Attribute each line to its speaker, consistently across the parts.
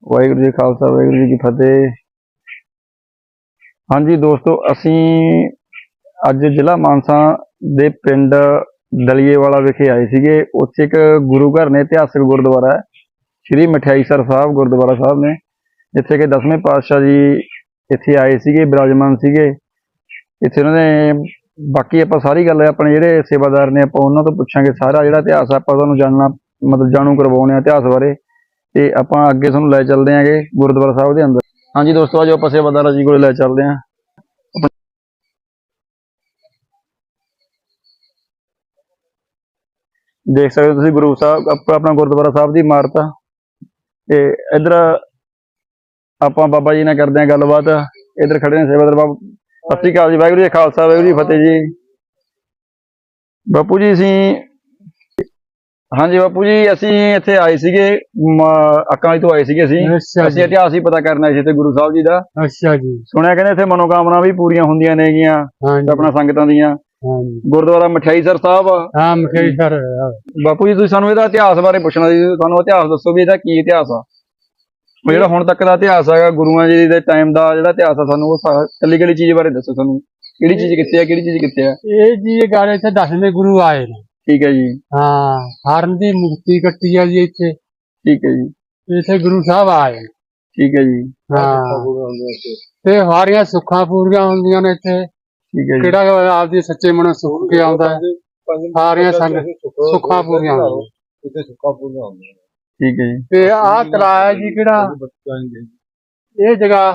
Speaker 1: वाहिगुरू जी खालसा वाहिगुरू जी की फतेह। हाँ जी दोस्तों, असी अज जिला मानसा दे पिंड दलिएवाला विखे आए सीगे। उत्थे एक गुरु घर ने, इतिहासक गुरुद्वारा है श्री मठियाईसर साहब गुरुद्वारा साहब ने, जिथे कि 10वें पातशाह जी इत्थे आए सीगे, विराजमान सीगे इत्थे उन्होंने। बाकी आपां सारी गल अपने जिहड़े सेवादार ने आपां उन्हां तों पुछांगे, सारा जिहड़ा इतिहास आपां तुहानूं जानना मतलब जाणू करवाउने इतिहास बारे। ते आपां अगे तुहानूं लै चलदे आंगे गुरुद्वारा साहब दे अंदर। हाँ जी दोस्तों, अज आपां सेवादार जी कोल लै चलदे आं। देख सकते हो तुसीं गुरु साहब अपना गुरुद्वारा साहब की इमारत आ। ते इधर आपां बाबा जी नाल करदे आं गलबात। इधर खड़े ने सेवादार बाबा। सत श्री अकाल जी, वाहिगुरू जी खालसा वाहिगुरू जी फतेह जी। बापू जी असीं हाँ जी बापू जी, असीं इत्थे आए सीगे अक्कां वाली तो आए सीगे असीं इतिहास ही पता करना सी इत्थे गुरु साहब जी दा।
Speaker 2: अच्छा जी।
Speaker 1: सुनिया कहंदे इत्थे मनोकामना भी पूरीआं हुंदियां नेगीआं अपना संगतां दीआं। गुरुद्वारा मठियाईसर साहब।
Speaker 2: हाँ मठियाईसर।
Speaker 1: बापू जी तुसीं सानूं इहदा इतिहास बारे पुछना सी, सानूं इतिहास दस्सो भी इहदा की इतिहास आ, ਜਿਹੜਾ ਹੁਣ तक ਦਾ इतिहास ਹੈਗਾ ਗੁਰੂਆਂ जी ਦੇ ਟਾਈਮ ਦਾ ਜਿਹੜਾ ਇਤਿਹਾਸ ਆ, ਸਾਨੂੰ ਉਹ ਕੱਲੀ ਕੱਲੀ ਚੀਜ਼ ਬਾਰੇ ਦੱਸੋ। ਸਾਨੂੰ ਕਿਹੜੀ ਚੀਜ਼ ਕਿੱਥੇ ਆ, ਕਿਹੜੀ ਚੀਜ਼ ਕਿੱਥੇ ਆ।
Speaker 2: ਇਹ ਜੀ ਇਹ ਗੱਲ ਇੱਥੇ 10ਵੇਂ ਗੁਰੂ ਆਏ ਨੇ।
Speaker 1: ਠੀਕ ਹੈ ਜੀ।
Speaker 2: ਹਾਂ, ਹਰਨ ਦੀ ਮੁਕਤੀ ਕੱਟੀ ਆ ਜੀ ਇੱਥੇ।
Speaker 1: ਠੀਕ ਹੈ ਜੀ।
Speaker 2: ਇੱਥੇ ਗੁਰੂ ਸਾਹਿਬ ਆਏ।
Speaker 1: ਠੀਕ ਹੈ ਜੀ।
Speaker 2: ਹਾਂ, ਤੇ ਸਾਰੀਆਂ ਸੁੱਖਾਂ ਪੂਰੀਆਂ ਹੁੰਦੀਆਂ ਨੇ ਇੱਥੇ।
Speaker 1: ਠੀਕ ਹੈ ਜੀ।
Speaker 2: ਕਿਹੜਾ ਆਪਦੀ ਸੱਚੇ ਮਨੋਂ ਸੁੱਖ ਕੇ ਆਉਂਦਾ ਹੈ, ਸਾਰੀਆਂ ਸੁੱਖਾਂ ਪੂਰੀਆਂ ਹੁੰਦੀਆਂ ਇੱਥੇ, ਸੁੱਖਾਂ ਪੂਰੀਆਂ ਹੁੰਦੀਆਂ।
Speaker 1: ठीक है जी।
Speaker 2: ਤੇ ਆਹ ਤਲਾਅ ਹੈ ਜੀ ਕਿਹੜਾ ਇਹ ਜਗ੍ਹਾ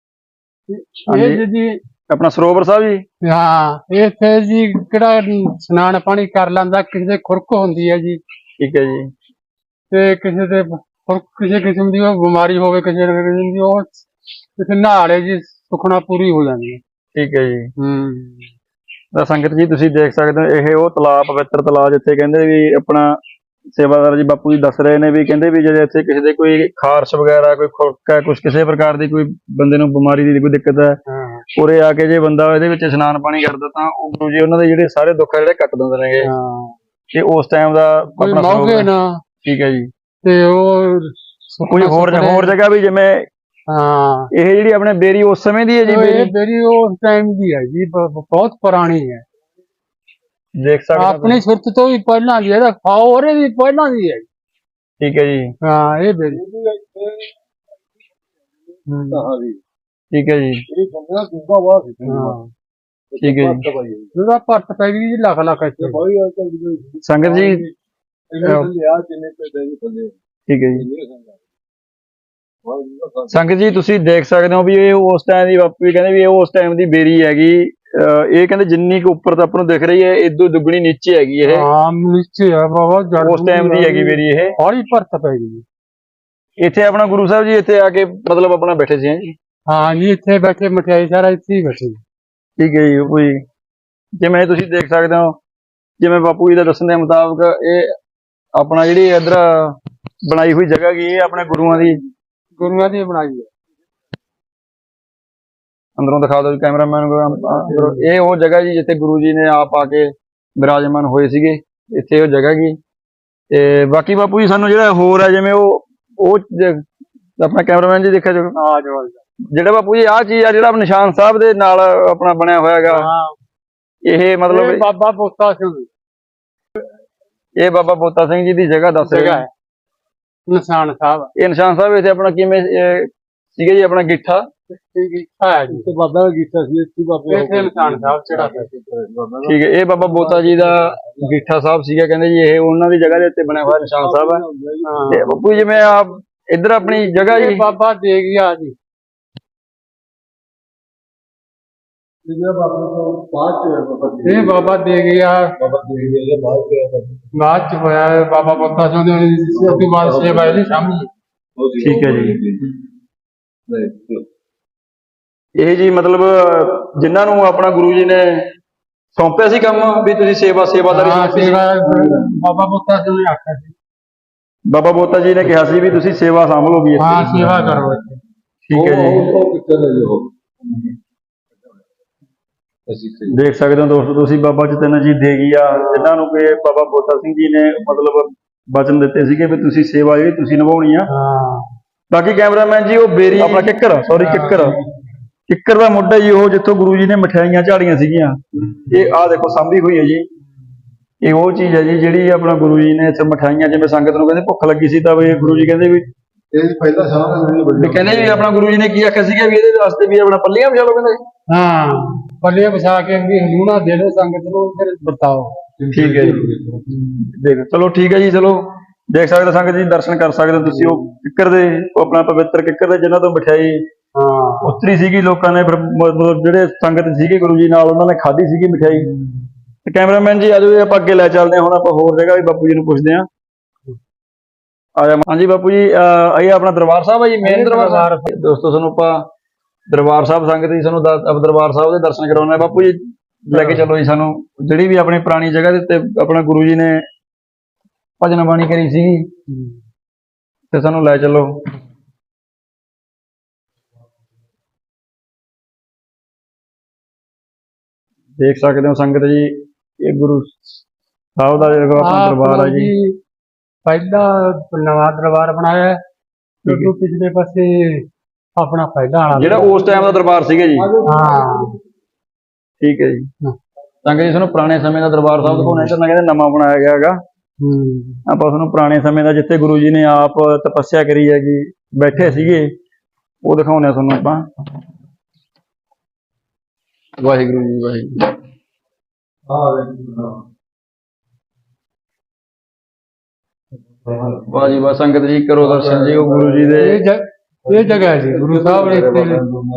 Speaker 2: ਇਹ ਜੀ
Speaker 1: अपना सरोवर साहब जी।
Speaker 2: ਹਾਂ, ਇੱਥੇ ਜੀ ਕਿਹੜਾ ਇਸ਼ਨਾਨ ਪਾਣੀ ਕਰ ਲੈਂਦਾ, ਕਿਸੇ ਦੇ ਖੁਰਕ ਹੁੰਦੀ ਹੈ ਜੀ।
Speaker 1: ठीक है जी।
Speaker 2: ਤੇ ਕਿਸੇ ਦੇ ਕਿਸੇ ਕਿਸਮ ਦੀ ਉਹ ਬਿਮਾਰੀ ਹੋਵੇ, ਕਿਸੇ ਕਿਸਮ ਦੀ ਉਹ ਕਿਸੇ ਨਹਾਲੇ ਜੀ ਸੁਖਣਾ ਪੂਰੀ ਹੋ ਜਾਂਦੀ ਹੈ।
Speaker 1: ठीक है जी। ਤਾਂ ਸੰਗਤ ਜੀ ਤੁਸੀਂ ਦੇਖ ਸਕਦੇ ਹੋ, ਇਹ ਉਹ ਤਲਾਅ, ਪਵਿੱਤਰ ਤਲਾਅ ਜਿੱਥੇ ਕਹਿੰਦੇ ਵੀ ਆਪਣਾ सेवादार जी बापू जी दस रहे ने भी, कहते भी जो इतने किसी के कोई खारश वगैरह, कोई खुरक है, कुछ किसी प्रकार की कोई बंदे नूं बीमारी की कोई दिक्कत है, उरे आके जे बंदा इहदे विच इशनान पानी करदा तां ओह गुरु जी उन्हां दे जिहड़े सारे दुख आ जिहड़े कट दिंदे नेगे। ते उस टाइम दा अपना
Speaker 2: मौके ना।
Speaker 1: ठीक है जी।
Speaker 2: ते ओह
Speaker 1: कोई होर जगह भी जिवें ਇਹ ਜਿਹੜੀ ਆਪਣੇ ਬੇਰੀ ਉਸ ਸਮੇਂ ਦੀ ਹੈ ਜੀ।
Speaker 2: ਬੇਰੀ ਉਸ ਟਾਈਮ ਦੀ ਹੈ ਜੀ, ਬਹੁਤ ਪੁਰਾਣੀ ਹੈ।
Speaker 1: देख सकते
Speaker 2: अपनी सुरत तो भी पहला दी है, और भी पहला दी है।
Speaker 1: ठीक है जी।
Speaker 2: हाँ ये बेरी
Speaker 1: ठीक है जी। ठीक है जी।
Speaker 2: भर्त पै गई जी, लख लख
Speaker 1: संगत जी। ठीक है जी। संगत जी तुसीं देख सकते हो भी ये उस टाइम की, बापू जी कहते भी ये उस टाइम की बेरी हैगी। ਇਹ ਕਹਿੰਦੇ ਜਿੰਨੀ ਕੁ ਉੱਪਰ ਤਾਂ ਆਪਾਂ ਨੂੰ ਦਿਖ ਰਹੀ ਹੈ, ਇਦੋਂ ਦੁੱਗਣੀ ਨੀਚੇ ਹੈਗੀ ਇਹ।
Speaker 2: ਹਾਂ ਨੀਚੇ ਹੈ ਬਾਬਾ,
Speaker 1: ਉਸ ਟਾਈਮ ਦੀ ਹੈਗੀ ਮੇਰੀ ਇਹ।
Speaker 2: ਹੌਲੀ ਭਰਤ ਪੈ ਗਈ।
Speaker 1: ਇੱਥੇ ਆਪਣਾ ਗੁਰੂ ਸਾਹਿਬ ਜੀ ਇੱਥੇ ਆ ਕੇ ਮਤਲਬ ਆਪਣਾ ਬੈਠੇ ਸੀ ਜੀ।
Speaker 2: ਹਾਂ ਜੀ, ਇੱਥੇ ਬੈਠੇ ਮਠਿਆਈ ਸਾਰਾ ਇੱਥੇ ਹੀ ਬੈਠੇ।
Speaker 1: ਠੀਕ ਹੈ ਜੀ। ਕੋਈ ਜਿਵੇਂ ਤੁਸੀਂ ਦੇਖ ਸਕਦੇ ਹੋ, ਜਿਵੇਂ ਬਾਪੂ ਜੀ ਦਾ ਦੱਸਣ ਦੇ ਮੁਤਾਬਕ ਇਹ ਆਪਣਾ ਜਿਹੜੀ ਇੱਧਰ ਬਣਾਈ ਹੋਈ ਜਗ੍ਹਾ ਕੀ, ਇਹ ਆਪਣੇ ਗੁਰੂਆਂ ਦੀ
Speaker 2: ਬਣਾਈ ਹੈ।
Speaker 1: अंदरों दिखा दो कैमरामैन को। ये वो जगह जी जिथे गुरु जी ने आप आके विराजमान होए सीगे, इत्थे वो जगह की। ते बाकी बापू जी सानू जिहड़ा होर है जिवें वो अपना कैमरामैन जी देखा जो जिहड़ा बापू जी आ चीज आ जिहड़ा निशान साहब दे नाल अपना बनया होया हैगा, ये मतलब
Speaker 2: बाबा बोता सिंह,
Speaker 1: ये बाबा बोता सिंह जी दी जगह दस
Speaker 2: जगह है निशान साहब।
Speaker 1: ये निशान साहब इत्थे अपना किवें सीगे जी, अपना गिट्ठा
Speaker 2: ठीक है,
Speaker 1: ये बाबा बोता जी का गिट्ठा साहब सीगा, कहंदे जी ये उन्हां दी जगह दे उत्ते बनया हुआ निशान साहब है। बापू जी मैं आप इधर अपनी जगह जी
Speaker 2: बाबा दे गया जी, ये बाबा दे गया बाद च होया बाबा बोता सिंह दी बाद सेवा दी सामने।
Speaker 1: ठीक है जी। ਇਹ ਜੀ ਮਤਲਬ ਜਿਨ੍ਹਾਂ ਨੂੰ ਆਪਣਾ ਗੁਰੂ ਜੀ ਨੇ ਸੌਂਪਿਆ ਸੀ ਕੰਮ ਵੀ ਤੁਸੀਂ ਸੇਵਾਦਾਰੀ।
Speaker 2: ਬਾਬਾ ਬੋਤਾ ਜੀ ਨੇ ਆਖਿਆ ਸੀ,
Speaker 1: ਬਾਬਾ ਬੋਤਾ ਜੀ ਨੇ ਕਿਹਾ ਸੀ ਵੀ ਤੁਸੀਂ ਸੇਵਾ ਸੰਭਲੋਗੇ।
Speaker 2: ਹਾਂ ਸੇਵਾ ਕਰੋ।
Speaker 1: ਠੀਕ ਹੈ ਜੀ। ਦੇਖ ਸਕਦੇ ਹੋ ਦੋਸਤੋ ਤੁਸੀਂ, ਬਾਬਾ ਜਤਿੰਦਰ ਜੀ ਦੇਗੀ ਆ ਜਿਨ੍ਹਾਂ ਨੂੰ ਕਿ ਬਾਬਾ ਬੋਤਾ ਸਿੰਘ ਜੀ ਨੇ ਮਤਲਬ ਵਚਨ ਦਿੱਤੇ ਸੀਗੇ ਵੀ ਤੁਸੀਂ ਸੇਵਾ ਜਿਹੜੀ ਤੁਸੀਂ ਨਿਭਾਉਣੀ ਆ। ਬਾਕੀ ਕੈਮਰਾਮੈਨ ਜੀ ਉਹ ਬੇਰੀ ਆਪਣਾ ਕਿੱਕਰ ਦਾ ਮੁੱਢ ਹੈ ਜੀ ਉਹ, ਜਿੱਥੋਂ ਗੁਰੂ ਜੀ ਨੇ ਮਠਿਆਈਆਂ ਝਾੜੀਆਂ ਸੀਗੀਆਂ। ਇਹ ਆਹ ਦੇਖੋ ਸਾਂਭੀ ਹੋਈ ਹੈ ਜੀ, ਇਹ ਉਹ ਚੀਜ਼ ਹੈ ਜੀ ਜਿਹੜੀ ਆਪਣਾ ਗੁਰੂ ਜੀ ਨੇ ਇੱਥੇ ਮਠਿਆਈਆਂ, ਜਿਵੇਂ ਸੰਗਤ ਨੂੰ ਕਹਿੰਦੇ ਭੁੱਖ ਲੱਗੀ ਸੀ ਤਾਂ ਵੀ ਗੁਰੂ ਜੀ ਕਹਿੰਦੇ ਵੀ
Speaker 3: ਇਹ ਪਹਿਲਾ ਸਾਹ
Speaker 1: ਵੀ ਕਹਿੰਦੇ ਵੀ ਆਪਣਾ ਗੁਰੂ ਜੀ ਨੇ ਕੀ ਆਖਿਆ ਸੀਗਾ ਵੀ ਇਹਦੇ ਵਾਸਤੇ ਵੀ ਆਪਣਾ ਪੱਲੀਆਂ ਵਿਛਾ ਲਓ ਕਹਿੰਦੇ।
Speaker 2: ਹਾਂ, ਪੱਲੇ ਵਿਛਾ ਕੇ ਵੀ ਹਲੂਣਾ ਦੇ ਦਿਓ ਸੰਗਤ ਨੂੰ, ਫਿਰ ਵਰਤਾਓ।
Speaker 1: ਠੀਕ ਹੈ ਜੀ, ਦੇਖ ਚਲੋ ਠੀਕ ਹੈ ਜੀ, ਚਲੋ ਦੇਖ ਸਕਦੇ ਹੋ ਸੰਗਤ ਜੀ, ਦਰਸ਼ਨ ਕਰ ਸਕਦੇ ਹੋ ਤੁਸੀਂ ਉਹ ਕਿੱਕਰ ਦੇ, ਉਹ ਆਪਣਾ ਪਵਿੱਤਰ ਕਿੱਕਰ ਦੇ ਜਿਨ੍ਹਾਂ ਤੋਂ ਮਠਿਆਈ ਉਤਰੀ ਸੀਗੀ। ਲੋਕਾਂ ਨੇ ਫਿਰ ਮਤਲਬ ਜਿਹੜੇ ਸੰਗਤ ਸੀਗੇ ਗੁਰੂ ਜੀ ਨਾਲ ਉਹਨਾਂ ਨੇ ਖਾਧੀ ਸੀਗੀ ਮਠਿਆਈ। ਤੇ ਕੈਮਰਾਮੈਨ ਜੀ ਆਜੋ ਆਪਾਂ ਅੱਗੇ ਲੈ ਚੱਲਦੇ ਹਾਂ, ਹੁਣ ਆਪਾਂ ਹੋਰ ਜਗ੍ਹਾ ਵੀ ਬਾਪੂ ਜੀ ਨੂੰ ਪੁੱਛਦੇ ਹਾਂ। ਆਜਾ ਹਾਂਜੀ ਬਾਪੂ ਜੀ, ਇਹ ਆਪਣਾ ਦਰਬਾਰ ਸਾਹਿਬ ਹੈ ਜੀ, ਮੇਨ ਦਰਬਾਰ ਸਾਹਿਬ। ਦੋਸਤੋ ਤੁਹਾਨੂੰ ਆਪਾਂ ਦਰਬਾਰ ਸਾਹਿਬ ਸੰਗਤ ਜੀ ਸਾਨੂੰ ਦਰਬਾਰ ਸਾਹਿਬ ਦੇ ਦਰਸ਼ਨ ਕਰਾਉਣੇ ਆ। ਬਾਪੂ ਜੀ ਲੈ ਕੇ ਚੱਲੋ ਜੀ ਸਾਨੂੰ, ਜਿਹੜੀ ਵੀ ਆਪਣੀ ਪੁਰਾਣੀ ਜਗ੍ਹਾ ਦੇ ਉੱਤੇ ਆਪਣਾ ਗੁਰੂ ਜੀ ਨੇ ਭਜਨ ਬਾਣੀ ਕਰੀ ਸੀਗੀ, ਤੇ ਸਾਨੂੰ ਲੈ ਚੱਲੋ। ਦੇਖ ਸਕਦੇ ਹੋ ਸੰਗਤ ਜੀ, ਇਹ ਗੁਰੂ ਸਾਹਿਬ ਦਾ ਜਿਹੜਾ ਆਪਣਾ ਦਰਬਾਰ ਹੈ ਜੀ।
Speaker 2: ਪਹਿਲਾ ਨਵਾਂ ਦਰਬਾਰ ਬਣਾਇਆ ਹੈ, ਕਿਉਂਕਿ ਪਿਛਲੇ ਪਾਸੇ ਆਪਣਾ ਪਹਿਲਾ ਵਾਲਾ
Speaker 1: ਜਿਹੜਾ ਉਸ ਟਾਈਮ ਦਾ ਦਰਬਾਰ ਸੀਗਾ ਜੀ।
Speaker 2: ਹਾਂ
Speaker 1: ਠੀਕ ਹੈ ਜੀ, ਸੰਗਤ ਜੀ ਤੁਹਾਨੂੰ ਪੁਰਾਣੇ ਸਮੇਂ ਦਾ ਦਰਬਾਰ ਸਾਹਿਬ ਦਿਖਾਉਣਾ, ਇੱਧਰ ਨਾ ਕਹਿੰਦੇ ਨਵਾਂ ਬਣਾਇਆ ਗਿਆ ਹੈਗਾ। ਆਪਾਂ ਤੁਹਾਨੂੰ ਪੁਰਾਣੇ ਸਮੇਂ ਦਾ, ਜਿੱਥੇ ਗੁਰੂ ਜੀ ਨੇ ਆਪ ਤਪੱਸਿਆ ਕਰੀ ਹੈਗੀ, ਬੈਠੇ ਸੀਗੇ, ਉਹ ਦਿਖਾਉਣੇ ਤੁਹਾਨੂੰ ਆਪਾਂ। ਵਾਹਿਗੁਰੂ ਜੀ ਵਾਹਿਗੁਰੂ। ਵਾਹ ਜੀ ਵਾਹ ਸੰਗਤ ਜੀ, ਕਰੋ ਦਰਸ਼ਨ ਜੀ ਉਹ ਗੁਰੂ ਜੀ ਦੇ।
Speaker 2: ਇਹ ਜਗ੍ਹਾ ਹੈ ਜੀ ਗੁਰੂ ਸਾਹਿਬ ਨੇ ਇੱਥੇ।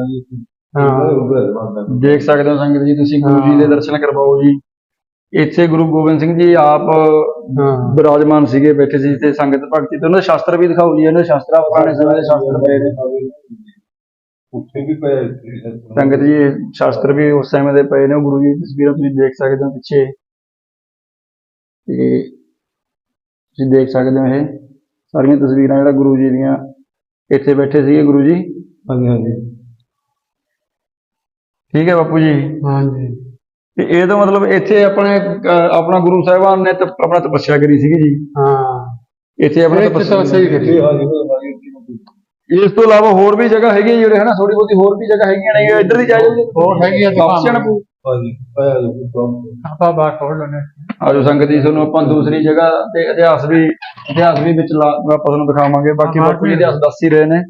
Speaker 1: ਦੇਖ ਸਕਦੇ ਹੋ ਸੰਗਤ ਜੀ ਤੁਸੀਂ, ਗੁਰੂ ਜੀ ਦੇ ਦਰਸ਼ਨ ਕਰਵਾਓ ਜੀ। ਇੱਥੇ ਗੁਰੂ ਗੋਬਿੰਦ ਸਿੰਘ ਜੀ ਆਪ ਵਿਰਾਜਮਾਨ ਸੀਗੇ, ਬੈਠੇ ਸੀ ਤੇ ਸੰਗਤ ਭਗਤੀ ਤੇ ਉਹਨਾਂ ਦੇ ਸ਼ਾਸਤਰ ਵੀ ਦਿਖਾਓ ਜੀ। ਇਹਨਾਂ ਦੇ ਸ਼ਾਸਤਰ ਪੁਰਾਣੇ ਸਮੇਂ ਦੇ ਸ਼ਾਸਤਰ ਪਏ ਨੇ
Speaker 3: ਉੱਥੇ ਵੀ ਪਏ
Speaker 1: ਸੰਗਤ ਜੀ, ਇਹ ਸ਼ਾਸਤਰ ਵੀ ਉਸ ਸਮੇਂ ਦੇ ਪਏ ਨੇ। ਉਹ ਗੁਰੂ ਜੀ ਦੀ ਤਸਵੀਰਾਂ ਤੁਸੀਂ ਦੇਖ ਸਕਦੇ ਹੋ ਪਿੱਛੇ, ਤੇ ਤੁਸੀਂ ਦੇਖ ਸਕਦੇ ਹੋ ਇਹ ਸਾਰੀਆਂ ਤਸਵੀਰਾਂ ਜਿਹੜਾ ਗੁਰੂ ਜੀ ਦੀਆਂ, ਇੱਥੇ ਬੈਠੇ ਸੀਗੇ ਗੁਰੂ ਜੀ।
Speaker 3: ਹਾਂਜੀ ਹਾਂਜੀ,
Speaker 1: ਠੀਕ ਹੈ ਬਾਪੂ ਜੀ।
Speaker 2: ਹਾਂਜੀ,
Speaker 1: ਤੇ ਇਹ ਤਾਂ ਮਤਲਬ ਇੱਥੇ ਆਪਣਾ ਗੁਰੂ ਸਾਹਿਬਾਨ ਨੇ ਆਪਣਾ ਤਪੱਸਿਆ ਕਰੀ ਸੀਗੀ ਜੀ।
Speaker 2: ਹਾਂ,
Speaker 1: ਇੱਥੇ ਆਪਣਾ
Speaker 2: ਤਪੱਸਿਆ ਕਰੀ।
Speaker 1: ਇਸ ਤੋਂ ਇਲਾਵਾ ਹੋਰ ਵੀ ਜਗ੍ਹਾ ਹੈਗੀ ਜਿਹੜੇ ਹਨਾ, ਥੋੜੀ ਬਹੁਤੀ ਹੋਰ ਵੀ ਜਗ੍ਹਾ ਹੈਗੀਆਂ ਨੇ, ਇੱਧਰ ਦੀ ਜਾਇਓ ਜੀ।
Speaker 2: ਹੋਰ ਹੈਗੀ ਆ
Speaker 1: ਆਪਸ਼ਨ
Speaker 2: ਆਪਾਂ ਬਾਹਰ ਖੋਲ ਲੈਣੇ।
Speaker 1: ਆਜੋ ਸੰਗਤ ਜੀ, ਤੁਹਾਨੂੰ ਆਪਾਂ ਦੂਸਰੀ ਜਗ੍ਹਾ ਤੇ ਇਤਿਹਾਸ ਵੀ ਵਿੱਚ ਆਪਾਂ ਤੁਹਾਨੂੰ ਦਿਖਾਵਾਂਗੇ। ਬਾਕੀ ਬਾਪੂ ਜੀ ਇਤਿਹਾਸ ਦੱਸ ਹੀ ਰਹੇ ਨੇ।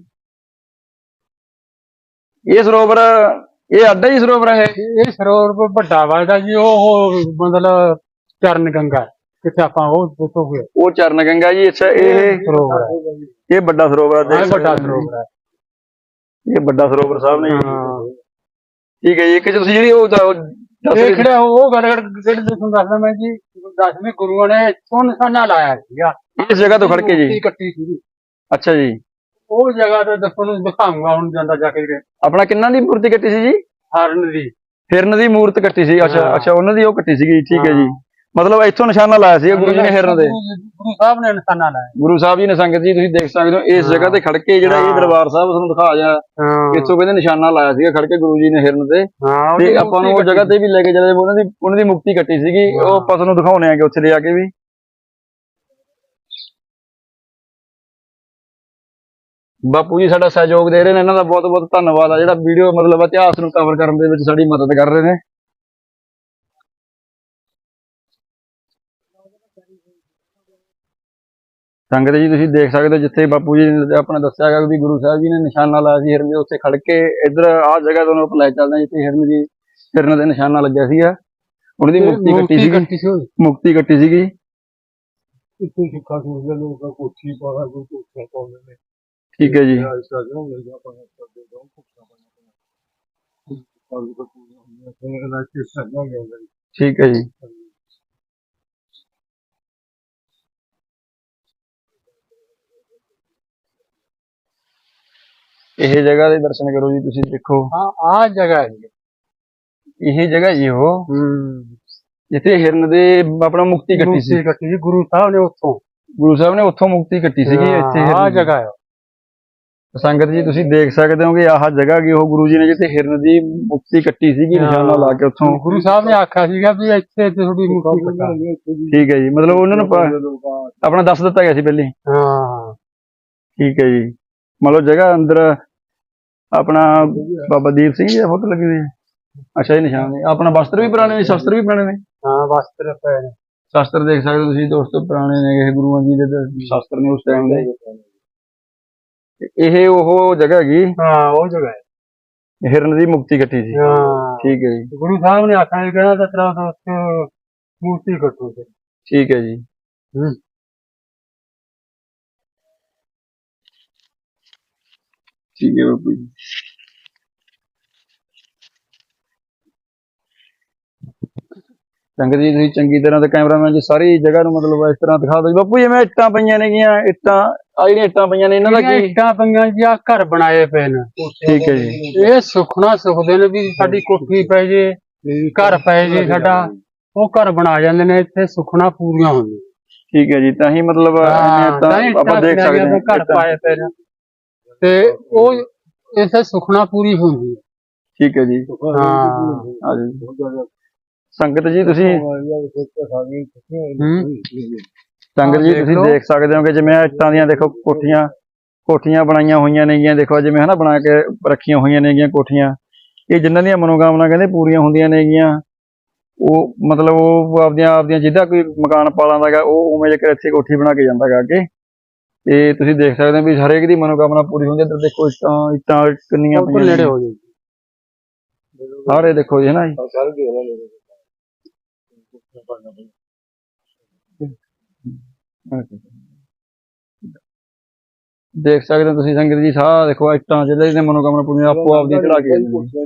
Speaker 1: ਇਹ ਸਰੋਵਰ, ਇਹ ਅੱਡਾ ਹੀ ਸਰੋਵਰ ਹੈ।
Speaker 2: ਇਹ ਸਰੋਵਰ ਵੱਡਾ ਵੱਡਾ ਜੀ, ਉਹ ਮਤਲਬ ਚਰਨ ਗੰਗਾ, ਕਿੱਥੇ ਆਪਾਂ ਉਹ ਦੇਖੋਗੇ,
Speaker 1: ਉਹ ਚਰਨ ਗੰਗਾ ਜੀ। ਅੱਛਾ, ਇਹ
Speaker 2: ਸਰੋਵਰ ਹੈ,
Speaker 1: ਇਹ ਵੱਡਾ ਸਰੋਵਰ ਹੈ।
Speaker 2: ਵੱਡਾ ਸਰੋਵਰ ਹੈ,
Speaker 1: ਇਹ ਵੱਡਾ ਸਰੋਵਰ ਸਾਹਿਬ ਨੇ। ਠੀਕ ਹੈ ਜੀ। ਇੱਕ ਤੁਸੀਂ ਜਿਹੜੀ ਉਹ
Speaker 2: ਇਹ ਕਿਹੜਾ ਉਹ ਗੱਲ ਕਿਹੜੀ ਤੁਹਾਨੂੰ ਦੱਸਦਾ ਮੈਂ ਜੀ, 10ਵੇਂ ਗੁਰੂਆਂ ਨੇ ਇੱਥੋਂ ਨਿਸ਼ਾਨਾ ਲਾਇਆ ਸੀਗਾ,
Speaker 1: ਇਸ ਜਗ੍ਹਾ ਤੋਂ ਖੜ ਕੇ ਜੀ
Speaker 2: ਕੱਟੀ ਸੀ।
Speaker 1: ਅੱਛਾ ਜੀ,
Speaker 2: ਉਹ ਜਗ੍ਹਾ ਤੇ ਦੱਸੋ ਨੂੰ ਦਿਖਾਉਂਗਾ ਹੁਣ ਜਾਂਦਾ ਜਾ ਕੇ।
Speaker 1: ਆਪਣਾ ਕਿੰਨਾਂ ਦੀ ਮੂਰਤੀ ਕੱਟੀ ਸੀ ਜੀ?
Speaker 2: ਹਰਨ ਦੀ,
Speaker 1: ਹਿਰਨ ਦੀ ਮੂਰਤ ਕੱਟੀ ਸੀ। ਅੱਛਾ ਅੱਛਾ, ਉਹਨਾਂ ਦੀ ਉਹ ਕੱਟੀ ਸੀਗੀ। ਠੀਕ ਹੈ ਜੀ, ਮਤਲਬ ਇੱਥੋਂ ਨਿਸ਼ਾਨਾ ਲਾਇਆ ਸੀ ਗੁਰੂ ਜੀ ਨੇ ਹਿਰਨ ਦੇ।
Speaker 2: ਗੁਰੂ ਸਾਹਿਬ ਨੇ ਨਿਸ਼ਾਨਾ ਲਾਇਆ,
Speaker 1: ਗੁਰੂ ਸਾਹਿਬ ਜੀ ਨੇ। ਸੰਗਤ ਜੀ ਤੁਸੀਂ ਦੇਖ ਸਕਦੇ ਹੋ ਇਸ ਜਗ੍ਹਾ ਤੇ ਖੜ ਕੇ, ਜਿਹੜਾ ਇਹ ਦਰਬਾਰ ਸਾਹਿਬ ਤੁਹਾਨੂੰ ਦਿਖਾ ਜਾ, ਇੱਥੋਂ ਕਹਿੰਦੇ ਨਿਸ਼ਾਨਾ ਲਾਇਆ ਸੀਗਾ ਖੜ ਕੇ ਗੁਰੂ ਜੀ ਨੇ ਹਿਰਨ ਤੇ। ਤੇ ਆਪਾਂ ਨੂੰ ਉਹ ਜਗ੍ਹਾ ਤੇ ਵੀ ਲੈ ਕੇ ਜਾਂਦੇ, ਉਹਨਾਂ ਦੀ ਮੁਕਤੀ ਕੱਟੀ ਸੀਗੀ, ਉਹ ਆਪਾਂ ਤੁਹਾਨੂੰ ਦਿਖਾਉਣੇ ਆਗੇ ਉੱਥੇ ਲਿਆ ਕੇ ਵੀ। ਬਾਪੂ ਜੀ ਸਾਡਾ ਸਹਿਯੋਗ ਦੇ ਰਹੇ ਨੇ, ਇਹਨਾਂ ਦਾ ਬਹੁਤ ਬਹੁਤ ਧੰਨਵਾਦ ਆ, ਜਿਹੜਾ ਵੀਡੀਓ ਮਤਲਬ ਇਤਿਹਾਸ ਨੂੰ ਕਵਰ ਕਰਨ ਦੇ ਵਿੱਚ ਸਾਡੀ ਮਦਦ ਕਰ ਰਹੇ ਨੇ। ਸੰਗਤ ਜੀ ਤੁਸੀਂ ਦੇਖ ਸਕਦੇ ਹੋ, ਜਿੱਥੇ ਬਾਪੂ ਜੀ ਨੇ ਆਪਣਾ ਦੱਸਿਆ ਗਿਆ ਵੀ ਗੁਰੂ ਸਾਹਿਬ ਜੀ ਨੇ ਨਿਸ਼ਾਨਾ ਲਾਇਆ ਸੀ ਹਿਰਨ ਦੇ, ਉੱਥੇ ਖੜ ਕੇ। ਇੱਧਰ ਆਹ ਜਗ੍ਹਾ ਤੁਹਾਨੂੰ ਆਪਾਂ ਲੈ ਚੱਲਦੇ ਹਾਂ, ਜਿੱਥੇ ਹਿਰਨ ਦੇ ਨਿਸ਼ਾਨਾ ਲੱਗਿਆ ਸੀਗਾ, ਉਹਨਾਂ ਦੀ ਮੁਕਤੀ ਕੱਟੀ ਸੀਗੀ। ਮੁਕਤੀ ਕੱਟੀ ਸੀਗੀ। ਠੀਕ ਹੈ ਜੀ, ਠੀਕ ਹੈ ਜੀ। ਇਹ ਜਗ੍ਹਾ ਦੇ ਦਰਸ਼ਨ ਕਰੋ ਜੀ, ਤੁਸੀਂ ਦੇਖੋ।
Speaker 2: ਆਹ ਜਗ੍ਹਾ ਹੈ,
Speaker 1: ਇਹ ਜਗ੍ਹਾ ਜੀ ਉਹ ਜਿੱਥੇ ਹਿਰਨ ਦੇ ਆਪਣਾ ਮੁਕਤੀ ਕੱਟੀ ਸੀ।
Speaker 2: ਗੁਰੂ ਸਾਹਿਬ ਨੇ ਉੱਥੋਂ ਮੁਕਤੀ ਕੱਟੀ ਸੀਗੀ। ਇੱਥੇ ਆਹ ਜਗ੍ਹਾ ਹੈ।
Speaker 1: ਸੰਗਤ ਜੀ ਤੁਸੀਂ ਦੇਖ ਸਕਦੇ ਹੋ ਕਿ ਆਹ ਜਗ੍ਹਾ ਕੀ ਉਹ ਗੁਰੂ ਜੀ ਨੇ ਜਿੱਥੇ ਹਿਰਨ ਦੀ ਮੁਕਤੀ ਕੱਟੀ ਸੀਗੀ, ਨਿਸ਼ਾਨਾ ਲਾ ਕੇ। ਉੱਥੋਂ
Speaker 2: ਗੁਰੂ ਸਾਹਿਬ ਨੇ ਆਖਿਆ ਸੀਗਾ ਵੀ ਇੱਥੇ ਤੁਹਾਡੀ ਮੁਕਤੀ ਕੱਟਾਂਗੇ।
Speaker 1: ਠੀਕ ਹੈ ਜੀ, ਮਤਲਬ ਉਹਨਾਂ ਨੂੰ ਆਪਣਾ ਦੱਸ ਦਿੱਤਾ ਗਿਆ ਸੀ ਪਹਿਲੇ।
Speaker 2: ਹਾਂ,
Speaker 1: ਠੀਕ ਹੈ ਜੀ। ਮਤਲਬ ਜਗ੍ਹਾ ਅੰਦਰ ਆਪਣਾ ਬਾਬਾ ਦੀਪ ਸਿੰਘ ਜੀ ਦਾ ਫੋਟੋ ਲੱਗੀ ਹੋਈ ਹੈ। ਅੱਛਾ ਇਹ ਨਿਸ਼ਾਨ ਨੇ ਆਪਣਾ ਵਸਤਰ ਵੀ ਪੁਰਾਣੇ ਨੇ, ਸ਼ਸਤਰ ਵੀ ਪੁਰਾਣੇ ਨੇ।
Speaker 2: ਹਾਂ ਵਸਤਰ ਪਏ ਨੇ।
Speaker 1: ਸ਼ਸਤਰ ਦੇਖ ਸਕਦੇ ਹੋ ਤੁਸੀਂ ਦੋਸਤੋ, ਪੁਰਾਣੇ ਨੇ ਇਹ ਗੁਰੂਆਂ ਜੀ ਦੇ ਸ਼ਸਤਰ ਨੇ ਉਸ ਟਾਈਮ ਦੇ। ਇਹ ਉਹ ਜਗ੍ਹਾ ਹੈਗੀ
Speaker 2: ਹਾਂ ਉਹ ਜਗ੍ਹਾ ਹੈ।
Speaker 1: ਹਿਰਨ ਦੀ ਮੁਕਤੀ ਕੱਟੀ ਸੀ।
Speaker 2: ਹਾਂ
Speaker 1: ਠੀਕ ਹੈ ਜੀ,
Speaker 2: ਗੁਰੂ ਸਾਹਿਬ ਨੇ ਆਖਿਆ ਸੀ ਕਹਿੰਦਾ ਤੇਰਾ ਦੋਸਤ ਮੂਰਤੀ ਕੱਟੋ ਤੇ।
Speaker 1: ਠੀਕ ਹੈ ਜੀ।
Speaker 2: ਹੂੰ।
Speaker 1: ਠੀਕ ਹੈ ਬਾਪੂ ਜੀ। ਸੰਗਤ ਜੀ ਤੁਸੀਂ ਚੰਗੀ ਤਰ੍ਹਾਂ ਤੇ ਕੈਮਰਾਮੈਨ ਜੀ ਸਾਰੀ ਜਗ੍ਹਾ ਨੂੰ ਮਤਲਬ ਇਸ ਤਰ੍ਹਾਂ ਦਿਖਾ ਦਿਓ ਬਾਪੂ। ਜਿਵੇਂ ਇੱਟਾਂ ਪਈਆਂ ਨੇਗੀਆਂ, ਇੱਟਾਂ ਆ ਜਿਹੜੀਆਂ ਇੱਟਾਂ ਪਈਆਂ ਨੇ ਇਹਨਾਂ ਦਾ ਕੀ?
Speaker 2: ਇੱਟਾਂ ਪਈਆਂ ਜੀ ਆ ਘਰ ਬਣਾਏ ਪਏ ਨੇ।
Speaker 1: ਠੀਕ ਹੈ ਜੀ।
Speaker 2: ਇਹ ਸੁਖਣਾ ਸੁਖਦੇ ਨੇ ਵੀ ਸਾਡੀ ਕੋਠੀ ਪੈ ਜੇ, ਘਰ ਪੈ ਜੇ ਸਾਡਾ, ਉਹ ਘਰ ਬਣਾ ਜਾਂਦੇ ਨੇ। ਇੱਥੇ ਸੁਖਣਾ ਪੂਰੀਆਂ ਹੁੰਦੀਆਂ।
Speaker 1: ਠੀਕ ਹੈ ਜੀ, ਤਾਂ ਹੀ ਮਤਲਬ ਆਪਾਂ ਦੇਖ ਸਕਦੇ ਹਾਂ
Speaker 2: ਘਰ ਪਾਏ ਪਏ ਨੇ ਤੇ ਉਹ ਇਸੇ ਸੁਖਣਾ ਪੂਰੀ ਹੁੰਦੀ ਹੈ।
Speaker 1: ਠੀਕ ਹੈ ਜੀ।
Speaker 2: ਹਾਂ
Speaker 1: ਸੰਗਤ ਜੀ ਤੁਸੀਂ ਸੰਗਤ ਜੀ ਤੁਸੀਂ ਦੇਖ ਸਕਦੇ ਹੋ ਕਿ ਜਿਵੇਂ ਇੱਟਾਂ ਦੀਆਂ ਦੇਖੋ ਕੋਠੀਆਂ ਬਣਾਈਆਂ ਹੋਈਆਂ ਨੇਗੀਆਂ। ਦੇਖੋ ਜਿਵੇਂ ਹਨਾ ਬਣਾ ਕੇ ਰੱਖੀਆਂ ਹੋਈਆਂ ਨੇਗੀਆਂ ਕੋਠੀਆਂ। ਇਹ ਜਿਨ੍ਹਾਂ ਦੀਆਂ ਮਨੋਕਾਮਨਾ ਕਹਿੰਦੇ ਪੂਰੀਆਂ ਹੁੰਦੀਆਂ ਨੇਗੀਆਂ, ਉਹ ਮਤਲਬ ਉਹ ਆਪਦੀਆਂ ਜਿੱਦਾਂ ਕੋਈ ਮਕਾਨ ਪਾ ਲੈਂਦਾ ਗਾ, ਉਹ ਉਵੇਂ ਜੇਕਰ ਇੱਥੇ ਕੋਠੀ ਬਣਾ ਕੇ ਜਾਂਦਾ ਗਾ ਅੱਗੇ। ਤੇ ਤੁਸੀਂ ਦੇਖ ਸਕਦੇ ਹੋ ਵੀ ਹਰੇਕ ਦੀ ਮਨੋਕਾਮਨਾ ਪੂਰੀ ਹੁੰਦੀ ਹੈ। ਇੱਧਰ ਦੇਖੋ ਇੱਟਾਂ ਕਿੰਨੀਆਂ ਪਈਆਂ
Speaker 2: ਨੇੜੇ ਹੋ ਜਾਏ
Speaker 1: ਸਾਰੇ ਦੇਖੋ ਜੀ ਹਨਾ ਜੀ। ਦੇਖ ਸਕਦੇ ਹੋ ਤੁਸੀਂ ਸੰਗਤ ਜੀ, ਸਾਹ ਦੇਖੋ ਇੱਟਾਂ ਜਿਹੜੇ ਨੇ ਮਨੋਕਾਮਨਾ ਪੂਰੀਆਂ ਆਪੋ ਆਪਦੀਆਂ ਚੜਾ ਕੇ।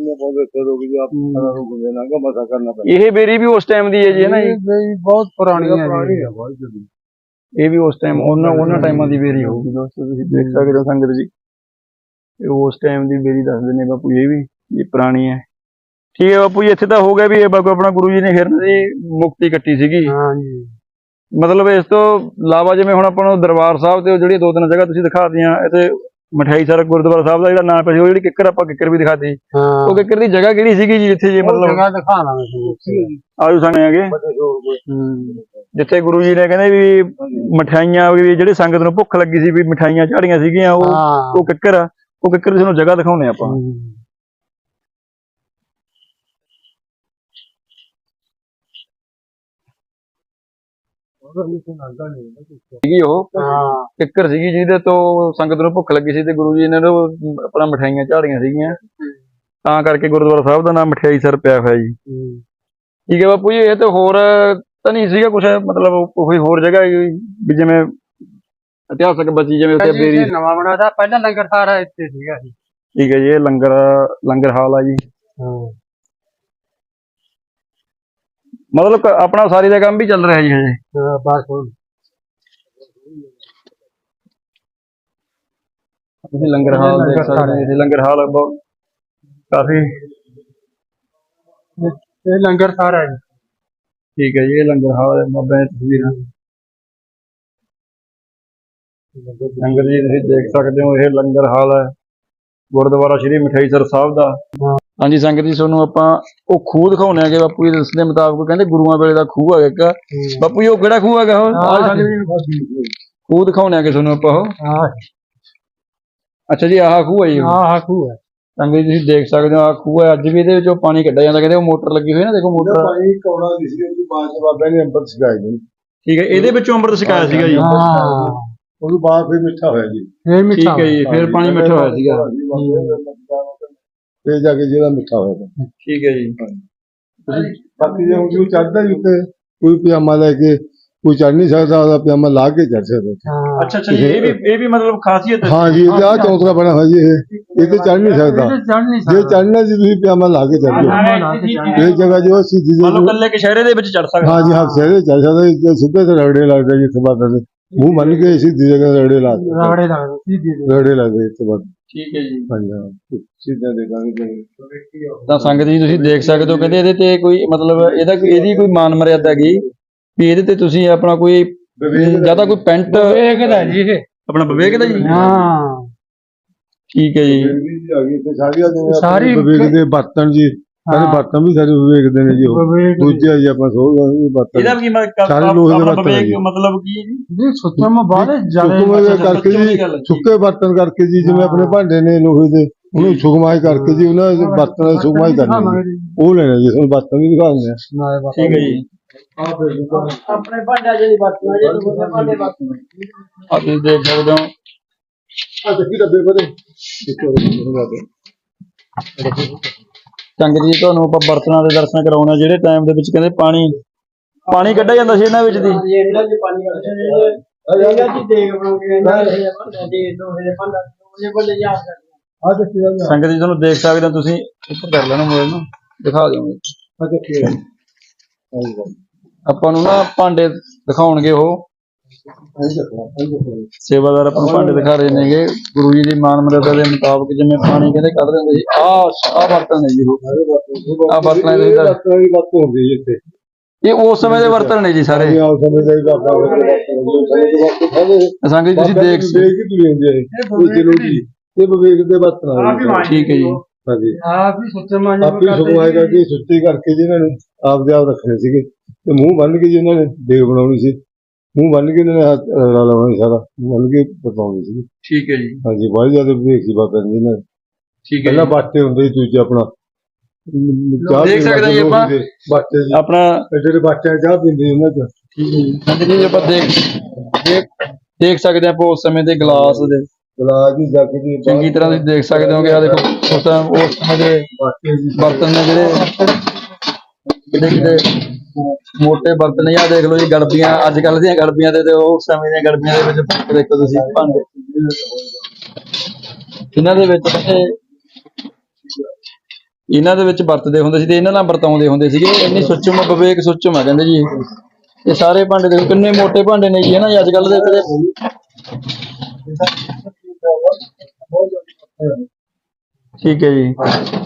Speaker 1: ਇਹ ਬੇਰੀ ਵੀ ਉਸ ਟਾਈਮ ਦੀ ਹੈ ਜੀ, ਹੈ ਨਾ ਜੀ?
Speaker 2: ਬਹੁਤ ਪੁਰਾਣੀ ਹੈ ਜੀ।
Speaker 1: ਇਹ ਵੀ ਉਸ ਟਾਈਮ ਉਹਨਾਂ ਟਾਈਮਾਂ ਦੀ ਬੇਰੀ ਹੋਊਗੀ ਦੋਸਤੋ। ਤੁਸੀਂ ਦੇਖ ਸਕਦੇ ਹੋ ਸੰਗਤ ਜੀ, ਇਹ ਉਸ ਟਾਈਮ ਦੀ ਬੇਰੀ ਦੱਸਦੇ ਨੇ ਬਾਪੂ। ਇਹ ਵੀ ਇਹ ਪੁਰਾਣੀ ਹੈ। ਠੀਕ ਹੈ ਬਾਪੂ ਜੀ, ਇੱਥੇ ਤਾਂ ਹੋ ਗਿਆ ਵੀ ਇਹ ਬਾਪੂ ਆਪਣਾ ਗੁਰੂ ਜੀ ਨੇ ਹਿਰਨ ਦੀ ਮੁਕਤੀ ਕੱਟੀ ਸੀਗੀ।
Speaker 2: ਹਾਂਜੀ।
Speaker 1: ਮਤਲਬ ਇਸ ਤੋਂ ਇਲਾਵਾ ਜਿਵੇਂ ਹੁਣ ਆਪਾਂ ਨੂੰ ਦਰਬਾਰ ਸਾਹਿਬ ਤੇ ਜਿਹੜੀਆਂ 2-3 ਜਗ੍ਹਾ ਤੁਸੀਂ ਦਿਖਾਤੀਆਂ, ਇੱਥੇ ਮਠਿਆਈ ਸਰ ਗੁਰਦੁਆਰਾ ਸਾਹਿਬ ਦਾ ਜਿਹੜਾ ਨਾਮ ਪਿਆ ਸੀ, ਉਹ ਜਿਹੜੀ ਕਿੱਕਰ ਆਪਾਂ ਕਿੱਕਰ ਵੀ ਦਿਖਾਤੀ। ਉਹ ਕਿੱਕਰ ਦੀ ਜਗ੍ਹਾ ਕਿਹੜੀ ਸੀਗੀ ਜੀ ਜਿੱਥੇ ਜੇ ਮਤਲਬ
Speaker 2: ਜਗ੍ਹਾ ਦਿਖਾਣਾ ਤੁਹਾਨੂੰ
Speaker 1: ਆਜੂ ਸਾਹਮਣੇ ਹੈਗੇ ਜਿੱਥੇ ਗੁਰੂ ਜੀ ਨੇ ਕਹਿੰਦੇ ਵੀ ਮਠਿਆਈਆਂ ਵੀ ਜਿਹੜੇ ਸੰਗਤ ਨੂੰ ਭੁੱਖ ਲੱਗੀ ਸੀ ਵੀ ਮਠਿਆਈਆਂ ਝਾੜੀਆਂ ਸੀਗੀਆਂ, ਉਹ ਕਿੱਕਰ ਆ। ਉਹ ਕਿੱਕਰ ਤੁਹਾਨੂੰ ਜਗ੍ਹਾ ਦਿਖਾਉਣੇ ਆਪਾਂ। ਸੀਗੀ ਉਹ ਕਿੱਕਰ ਸੀਗੀ ਜਿਹਦੇ ਤੋਂ ਸੰਗਤ ਨੂੰ ਭੁੱਖ ਲੱਗੀ ਸੀ ਤੇ ਗੁਰੂ ਜੀ ਨੇ ਆਪਣਾ ਮਠਿਆਈਆਂ ਝਾੜੀਆਂ ਸੀਗੀਆਂ, ਤਾਂ ਕਰਕੇ ਗੁਰਦੁਆਰਾ ਸਾਹਿਬ ਦਾ ਨਾਮ ਮਠਿਆਈ ਸਰ ਪਿਆ ਹੋਇਆ ਜੀ। ਠੀਕ ਹੈ ਬਾਪੂ ਜੀ, ਇਹ ਤੇ ਹੋਰ ਤਾਂ ਨਹੀਂ ਸੀਗਾ ਕੁਛ ਮਤਲਬ ਕੋਈ ਹੋਰ ਜਗ੍ਹਾ ਵੀ ਜਿਵੇਂ ਇਤਿਹਾਸਕ ਬਚੀ ਜਿਵੇਂ ਉੱਥੇ ਬੇਰੀ
Speaker 2: ਨਵਾਂ ਬਣਾਦਾ, ਪਹਿਲਾਂ ਲੰਗਰ ਸਾਰਾ ਇੱਥੇ ਸੀਗਾ ਜੀ।
Speaker 1: ਠੀਕ ਹੈ ਜੀ, ਇਹ ਲੰਗਰ ਹਾਲ ਆ ਜੀ। ਮਤਲਬ ਆਪਣਾ ਸਾਰੀ ਦਾ ਕੰਮ ਵੀ ਚੱਲ ਰਿਹਾ ਜੀ ਹਜੇ?
Speaker 2: ਬਸ
Speaker 1: ਤੁਸੀਂ ਲੰਗਰ ਹਾਲ ਦੇਖ ਸਕਦੇ ਹੋ। ਲੰਗਰ ਹਾਲ ਬਹੁਤ ਕਾਫੀ
Speaker 2: ਇਹ ਲੰਗਰ ਸਾਰਾ ਜੀ।
Speaker 1: ਠੀਕ ਹੈ ਜੀ, ਇਹ ਲੰਗਰ ਹਾਲ ਬਾਬਾ ਦੀ ਤਸਵੀਰਾਂ ਲੰਗਰ ਜੀ ਤੁਸੀਂ ਦੇਖ ਸਕਦੇ ਹੋ। ਇਹ ਲੰਗਰ ਹਾਲ ਹੈ ਗੁਰਦੁਆਰਾ ਸ਼੍ਰੀ ਮਠਿਆਈ ਸਰ ਸਾਹਿਬ ਦਾ। ਹਾਂਜੀ ਸੰਗਤ ਜੀ, ਤੁਹਾਨੂੰ ਆਪਾਂ ਉਹ ਖੂਹ ਦਿਖਾਉਣੇ ਹੈਗੇ ਬਾਪੂ ਜੀ ਦੱਸਣ ਮੁਤਾਬਕ। ਕਹਿੰਦੇ ਗੁਰੂਆਂ ਵੇਲੇ ਦਾ ਖੂਹ ਹੈਗਾ ਇੱਕ। ਬਾਪੂ ਜੀ ਉਹ ਕਿਹੜਾ ਖੂਹ ਹੈਗਾ? ਉਹ ਖੂਹ ਦਿਖਾਉਣੇ ਹੈਗੇ ਤੁਹਾਨੂੰ ਆਪਾਂ ਉਹ। ਅੱਛਾ ਜੀ, ਆਹ ਖੂਹ ਹੈ ਜੀ?
Speaker 2: ਆਹ ਖੂਹ ਹੈ
Speaker 1: ਸੰਗਤ ਜੀ ਤੁਸੀਂ ਦੇਖ ਸਕਦੇ ਹੋ, ਆਹ ਖੂਹ ਹੈ। ਅੱਜ ਵੀ ਇਹਦੇ ਵਿੱਚੋਂ ਪਾਣੀ ਕੱਢਿਆ ਜਾਂਦਾ। ਕਹਿੰਦੇ ਉਹ ਮੋਟਰ ਲੱਗੀ ਹੋਈ ਨਾ, ਦੇਖੋ ਮੋਟਰ।
Speaker 3: ਪਾਣੀ ਕੌੜਾ ਦੀ ਸੀ, ਉਹਦੀ ਬਾਅਦ ਚ ਬਾਬਾ ਨੇ ਅੰਮ੍ਰਿਤ ਛਕਾਇਆ ਜੀ।
Speaker 1: ਠੀਕ ਹੈ, ਇਹਦੇ ਵਿੱਚੋਂ ਅੰਮ੍ਰਿਤ ਛਕਾਇਆ ਸੀਗਾ ਜੀ।
Speaker 3: ਉਹਦੇ ਬਾਅਦ ਫਿਰ ਮਿੱਠਾ ਹੋਇਆ ਜੀ।
Speaker 1: ਠੀਕ ਹੈ ਜੀ, ਫਿਰ ਪਾਣੀ ਮਿੱਠਾ ਹੋਇਆ ਸੀਗਾ।
Speaker 3: ਫਿਰ ਜਾ ਕੇ ਜਿਹੜਾ ਮਿੱਠਾ ਹੋਇਆ।
Speaker 1: ਠੀਕ ਹੈ ਜੀ।
Speaker 3: ਬਾਕੀ ਜੇ ਹੁਣ ਚੜਦਾ ਜੀ ਉੱਤੇ ਕੋਈ ਪਜਾਮਾ ਲੈ ਕੇ ਕੋਈ ਚੜ ਨਹੀਂ ਸਕਦਾ, ਉਹਦਾ ਪਜਾਮਾ ਲਾ ਕੇ ਚੜ ਸਕਦਾ।
Speaker 1: ਅੱਛਾ ਅੱਛਾ ਜੀ, ਇਹ ਵੀ ਮਤਲਬ ਖਾਸੀਅਤ ਹੈ।
Speaker 3: ਹਾਂ ਜੀ, ਆਹ ਚੌਂਤਰਾ ਬਣਾ ਹੋਇਆ ਜੀ। ਇਹ ਤੇ ਚੜ ਨਹੀਂ ਸਕਦਾ। ਜੇ ਚੜਨਾ ਜੀ ਤੁਸੀਂ ਪਜਾਮਾ ਲਾ ਕੇ ਚੜ ਜਾਓ। ਇਹ ਜਗ੍ਹਾ ਜੋ ਸਿੱਧੀ
Speaker 1: ਮਤਲਬ ਕੱਲੇ ਕਸ਼ਹਿਰੇ ਦੇ ਵਿੱਚ ਚੜ ਸਕਦਾ।
Speaker 3: ਹਾਂ ਜੀ, ਹਾਂ ਸਿਰੇ ਚੜ ਸਕਦਾ। ਸਿੱਧੇ ਤੇ ਰਗੜੇ ਲੱਗਦੇ ਜੀ। ਇੱਥੇ ਬਾਅਦ ਮੂੰਹ ਮੰਨ ਕੇ ਸਿੱਧੀ ਜਗ੍ਹਾ ਰਗੜੇ ਲੱਗਦੇ ਇੱਥੇ ਬਾਅਦ। ਠੀਕ ਹੈ ਜੀ। ਹਾਂਜੀ, ਸਿੱਧਾ ਦੇਖਾਂਗੇ
Speaker 1: ਤਾਂ ਸੰਗਤ ਜੀ ਤੁਸੀਂ ਦੇਖ ਸਕਦੇ ਹੋ। ਕਹਿੰਦੇ ਇਹਦੇ ਤੇ ਕੋਈ ਮਤਲਬ ਇਹਦੀ ਕੋਈ ਮਾਨ ਮਰਿਆਦਾ ਹੈਗੀ ਵੀ ਇਹਦੇ ਤੇ ਤੁਸੀਂ ਆਪਣਾ ਕੋਈ ਜਿਆਦਾ ਕੋਈ ਪੈਂਟ
Speaker 2: ਵੇਖਦਾ ਜੀ ਇਹ
Speaker 1: ਆਪਣਾ ਵਿਵੇਕ ਦਾ ਜੀ।
Speaker 2: ਹਾਂ
Speaker 1: ਠੀਕ ਹੈ ਜੀ।
Speaker 3: ਸਾਰੀ ਵਿਵੇਕ ਦੇ ਬਰਤਨ ਜੀ, ਸਾਰੇ ਬਰਤਨ ਵੀ ਸਾਰੇ ਵੇਖਦੇ ਨੇ ਜੀ ਉਹ ਦੂਜੇ ਆ ਜੀ ਆਪਾਂ ਸੋਚਦੇ ਹਾਂ ਬਰਤਨ
Speaker 1: ਇਹਦਾ ਕੀ
Speaker 3: ਸਾਰੇ ਲੋਹੇ ਦੇ ਬਰਤਨ ਹੈ ਜੀ।
Speaker 1: ਮਤਲਬ ਕੀ ਹੈ ਜੀ?
Speaker 2: ਜੀ ਸੁੱਚਾਂ ਮੈਂ ਬਾਅਦ
Speaker 3: ਸੁੱਕਮੇ ਕਰਕੇ ਜੀ ਸੁੱਕੇ ਬਰਤਨ ਕਰਕੇ ਜੀ ਜਿਵੇਂ ਆਪਣੇ ਭਾਂਡੇ ਨੇ ਲੋਹੇ ਦੇ ਉਹਨੂੰ ਸੁਕਮਾਈ ਕਰਕੇ ਜੀ ਉਹਨਾਂ ਦੇ ਬਰਤਨਾਂ ਦੀ ਸੁਕਮਾਈ ਕਰਨੀ ਜੀ। ਉਹ ਲੈਣਾ ਜੀ ਤੁਹਾਨੂੰ ਬਰਤਨ ਵੀ ਦਿਖਾ ਦਿੰਦੇ ਆ।
Speaker 1: ਠੀਕ ਹੈ ਜੀ।
Speaker 2: ਆਪਣੇ ਭਾਂਡਾ ਜਿਹੜੀ ਵਰਤਣਾ ਜਿਹੜੇ ਭਾਂਡੇ ਵਰਤਣਾ
Speaker 1: ਆ ਤੁਸੀਂ ਦੇਖ ਸਕਦੇ ਹੋ
Speaker 3: ਆ ਦੇਖੀ ਡੱਬੇ ਪਰੇ
Speaker 1: ਸੰਗਤ ਜੀ ਤੁਹਾਨੂੰ ਆਪਾਂ ਬਰਤਨਾਂ ਦੇ ਦਰਸ਼ਨ ਕਰਾਉਣੇ ਜਿਹੜੇ ਟਾਈਮ ਦੇ ਵਿੱਚ ਕਹਿੰਦੇ ਪਾਣੀ ਕੱਢਿਆ ਜਾਂਦਾ ਸੀ ਇਹਨਾਂ ਵਿੱਚ ਦੀ।
Speaker 2: ਇਹਨਾਂ ਦੇ ਪਾਣੀ ਇਹਨਾਂ ਦੀ ਦੇਖ ਬਣਾਉਂਦੇ ਇਹਨਾਂ ਦੇ ਭਾਂਡਾ ਦੇ ਲੋਹੇ ਦੇ ਭਾਂਡਾ ਲੋਹੇ ਭਾਂਡੇ ਯਾਦ ਕਰਦੇ ਆ ਦੇਖੀ
Speaker 1: ਸੰਗਤ ਜੀ ਤੁਹਾਨੂੰ ਦੇਖ ਸਕਦੇ ਹੋ ਤੁਸੀਂ ਉੱਪਰ ਕਰ ਲੈਣਾ ਮੋਬਾਈਲ ਨੂੰ ਦਿਖਾ ਦਿਓਗੇ।
Speaker 3: ਆ ਦੇਖੀ
Speaker 1: ਆਪਾਂ ਨੂੰ ਨਾ ਭਾਂਡੇ ਦਿਖਾਉਣਗੇ ਉਹ ਸੇਵਾਦਾਰ ਆਪਾਂ ਨੂੰ ਭਾਂਡੇ ਦਿਖਾ ਰਹੇ ਨੇਗੇ ਗੁਰੂ ਜੀ ਦੀ ਮਾਨ ਮਰਿਆਦਾ ਦੇ ਮੁਤਾਬਕ ਜਿਵੇਂ ਪਾਣੀ ਕਹਿੰਦੇ ਕੱਢ ਦਿੰਦੇ ਸੀ ਆਹ ਬਰਤਨ ਨੇ ਜੀ ਉਹ ਆਹ ਬਰਤਨਾਂ ਦੇ
Speaker 3: ਵਰਤੋਂ ਹੁੰਦੀ ਜੀ ਇੱਥੇ
Speaker 1: ਇਹ ਉਸ ਸਮੇਂ ਦੇ ਬਰਤਨ ਨੇ ਜੀ ਸਾਰੇ।
Speaker 3: ਆਹ ਸਮੇਂ ਦਾ ਹੀ ਬਾਬਾ
Speaker 1: ਸੰਗਤ ਜੀ ਤੁਸੀਂ ਦੇਖ
Speaker 3: ਕੇ ਤੁਰੀ ਹੁੰਦੀ ਹੈ ਇਹ ਚਲੋ ਜੀ ਇਹ ਵਿਵੇਕ ਦੇ ਬਰਤਨ
Speaker 1: ਠੀਕ ਹੈ ਜੀ।
Speaker 3: ਹਾਂਜੀ
Speaker 2: ਆਪ ਹੀ ਸੁੱਚੇ ਮਾਂਜ
Speaker 3: ਆਪੀ ਸੁਕਵਾਈ ਕਰਕੇ ਸੁੱਤੀ ਕਰਕੇ ਜੀ ਇਹਨਾਂ ਨੇ ਆਪ ਦੇ ਆਪ ਰੱਖਣੇ ਸੀਗੇ ਤੇ ਮੂੰਹ ਬੰਨ ਕੇ ਜੀ ਇਹਨਾਂ ਨੇ ਦੇਗ ਬਣਾਉਣੀ ਸੀ। ਮੂੰਹ ਬੰਨ ਕੇ ਇਹਨਾਂ ਨੇ ਹੱਥ ਲਾਉਣਾ ਸੀ ਸਾਰਾ ਮੂੰਹ ਬੰਨ ਕੇ ਪਕਾਉਣੀ ਸੀ।
Speaker 1: ਠੀਕ ਹੈ ਜੀ।
Speaker 3: ਹਾਂਜੀ ਬਹੁਤ ਜ਼ਿਆਦਾ ਵਿਵੇਕ ਸੀ ਬਾਬਾ ਜੀ ਨੇ।
Speaker 1: ਠੀਕ ਹੈ
Speaker 3: ਪਹਿਲਾਂ ਬਾਟੇ ਹੁੰਦੇ ਸੀ ਦੂਜੇ ਆਪਣਾ ਚਾਹ
Speaker 1: ਦੇਖ ਸਕਦੇ ਜੀ ਆਪਾਂ
Speaker 3: ਬਾਟੇ ਜੀ
Speaker 1: ਆਪਣਾ
Speaker 3: ਜਿਹੜੇ ਬਾਟਿਆਂ ਚਾਹ ਪੀਂਦੇ ਉਹਨਾਂ ਚ।
Speaker 1: ਠੀਕ ਹੈ ਜੀ। ਸੰਗਤ ਜੀ ਆਪਾਂ ਦੇਖ ਸਕਦੇ ਆਪਾਂ ਉਸ ਸਮੇਂ ਦੇ ਗਲਾਸ ਦੇ
Speaker 3: ਗਲਾਸ ਦੀ ਜੱਗ ਦੀ
Speaker 1: ਚੰਗੀ ਤਰ੍ਹਾਂ ਤੁਸੀਂ ਦੇਖ ਸਕਦੇ ਹੋਗੇ। ਆ ਦੇਖੋ ਉਸ ਸਮੇਂ ਦੇ ਬਰਤਨ ਨੇ ਜਿਹੜੇ ਕਿਤੇ ਮੋਟੇ ਬਰਤਨ ਆ ਦੇਖ ਲਓ ਜੀ ਗੜਬੀਆਂ ਅੱਜ ਕੱਲ ਦੀਆਂ ਗੜਬੀਆਂ ਤੇ ਉਸ ਸਮੇਂ ਦੀਆਂ ਗੜਬੀਆਂ ਦੇ ਵਿੱਚ ਫਰਕ ਦੇਖੋ ਤੁਸੀਂ ਭਾਂਡੇ ਇਹਨਾਂ ਦੇ ਵਿੱਚ ਵਰਤਦੇ ਹੁੰਦੇ ਸੀ ਤੇ ਇਹਨਾਂ ਨਾਲ ਵਰਤਾਉਂਦੇ ਹੁੰਦੇ ਸੀਗੇ। ਇੰਨੀ ਸੁੱਚਮ ਵਿਵੇਕ ਸੁੱਚਮ ਆ ਕਹਿੰਦੇ ਜੀ ਇਹ ਸਾਰੇ ਭਾਂਡੇ ਦੇਖੋ ਕਿੰਨੇ ਮੋਟੇ ਭਾਂਡੇ ਨੇ ਜੀ ਹੈ ਨਾ ਜੀ ਅੱਜ ਕੱਲ ਦੇ। ਠੀਕ ਹੈ ਜੀ।